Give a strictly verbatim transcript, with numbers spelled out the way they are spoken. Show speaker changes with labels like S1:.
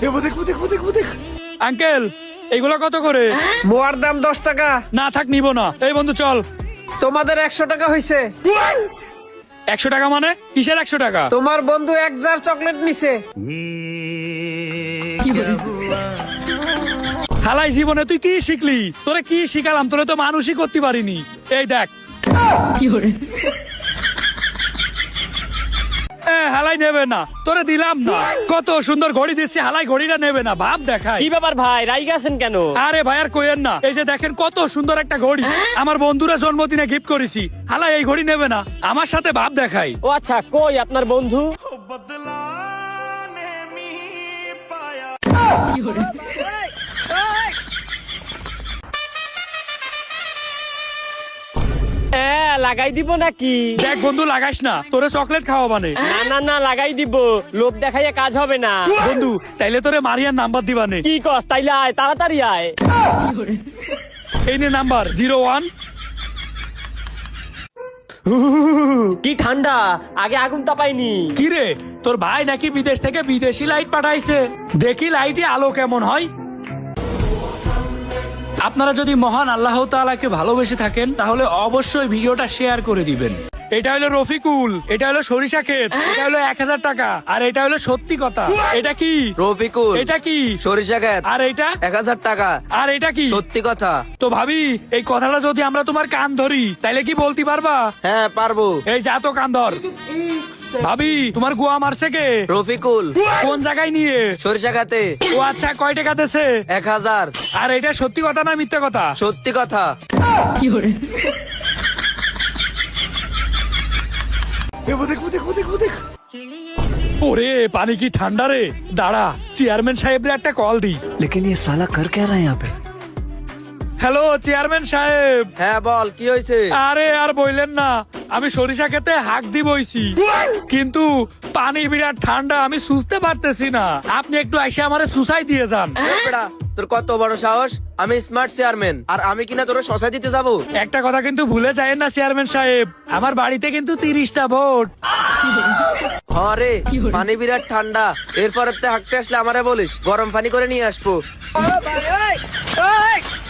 S1: Uncle এগুলো কত করে?
S2: মোয়ার দাম দশ টাকা।
S1: না থাক নিব না। এই বন্ধু চল।
S2: তোমাদের একশো টাকা হয়েছে।
S1: একশো টাকা মানে কিসের একশো টাকা?
S2: তোমার বন্ধু এক জার চকলেট নিছে।
S1: হালাই জীবনে তুই কি শিখলি? তোরে কি শিখালাম? তোরে তো মানুষই করতে পারিনি। এই দেখ এ, হালাই নেবে না, তোরে দিলাম না। কত সুন্দর ঘড়ি দিচ্ছি, হালাই ঘড়িটা নেবে না। ভাব দেখাই।
S3: কি ব্যাপার ভাই, রাইগা আছেন কেন?
S1: আরে ভাই আর কইেন না, এই যে দেখেন কত সুন্দর একটা ঘড়ি আমার বন্ধুরা জন্মদিনে গিফট করেছি। হালাই এই ঘড়ি নেবে না, আমার সাথে ভাব দেখাই।
S3: ও আচ্ছা, কই আপনার বন্ধু? এ, লাগাই দিব নাকি?
S1: দেখ বন্ধু লাগাইস না, তোরে চকলেট খাওয়া মানে।
S3: না না না, লাগাই দিব। লোভ দেখাইয়া কাজ হবে না।
S1: বন্ধু তাইলে তোরে মারিয়ার নাম্বার দিবানে।
S3: কি কস? তাইলে আয়, তাড়াতাড়ি আয়।
S1: এই নে নাম্বার জিরো ওয়ান।
S3: কি ঠান্ডা, আগে আগুন তাপাইনি।
S1: কি রে, তোর ভাই নাকি বিদেশ থেকে বিদেশি লাইট পাঠাইছে? দেখি লাইটে আলো কেমন হয়। আপনারা যদি মহান আল্লাহ তাআলাকে ভালোবেসে থাকেন তাহলে অবশ্যই ভিডিওটা শেয়ার করে দিবেন। এটা হলো রফিকুল, এটা হলো সরিষা ক্ষেত, এটা হলো এক হাজার টাকা, আর এটা হলো সত্যি কথা। এটা কি
S4: রফিকুল?
S1: এটা কি
S4: সরিষা ক্ষেত।
S1: আর এটা
S4: এক হাজার টাকা।
S1: আর এটা কি
S4: সত্যি কথা।
S1: তো ভাবি এই কথাটা যদি আমরা তোমার কান ধরি তাইলে কি বলতে পারবা?
S4: হ্যাঁ পারবো।
S1: এই যা তো কান ধর। ভাবি তোমার গোয়া মারছে কে?
S4: রফিকুল।
S1: কোন জায়গায় নিয়ে?
S4: সরিষা খাতে।
S1: ও আচ্ছা, কয় টাকা দিছে?
S4: এক হাজার।
S1: আর এটা সত্যি কথা না মিথ্যা কথা?
S4: সত্যি কথা।
S1: ওরে পানি কি ঠান্ডা রে। দাঁড়া, চেয়ারম্যান সাহেবের একটা কল দি।
S5: लेकिन ये साला कर क्या रहा है यहाँ पे?
S1: হ্যালো চেয়ারম্যান সাহেব।
S4: হ্যাঁ বল, কি হয়েছে?
S1: আরে আর বইলেন না, আমি সরিষা খেতে হাক দি বইছি, কিন্তু পানি বিরাট ঠান্ডা, আমি সুঝতে পারতেছি না। আপনি একটু এসে আমারে সুসাই দিয়ে যান।
S4: বেড়া, তোর কত বড় সাহস? আমি স্মার্ট চেয়ারম্যান, আর আমি কিনা তোর শশা দিতে যাবো?
S1: একটা কথা কিন্তু ভুলে যায়েন না চেয়ারম্যান সাহেব, আমার বাড়িতে কিন্তু তিরিশটা ভোট।
S4: হ্যাঁ রে, পানি বিরাট ঠান্ডা। এরপরে হাঁকতে আসলে আমারে বলিস, গরম পানি করে নিয়ে আসবো।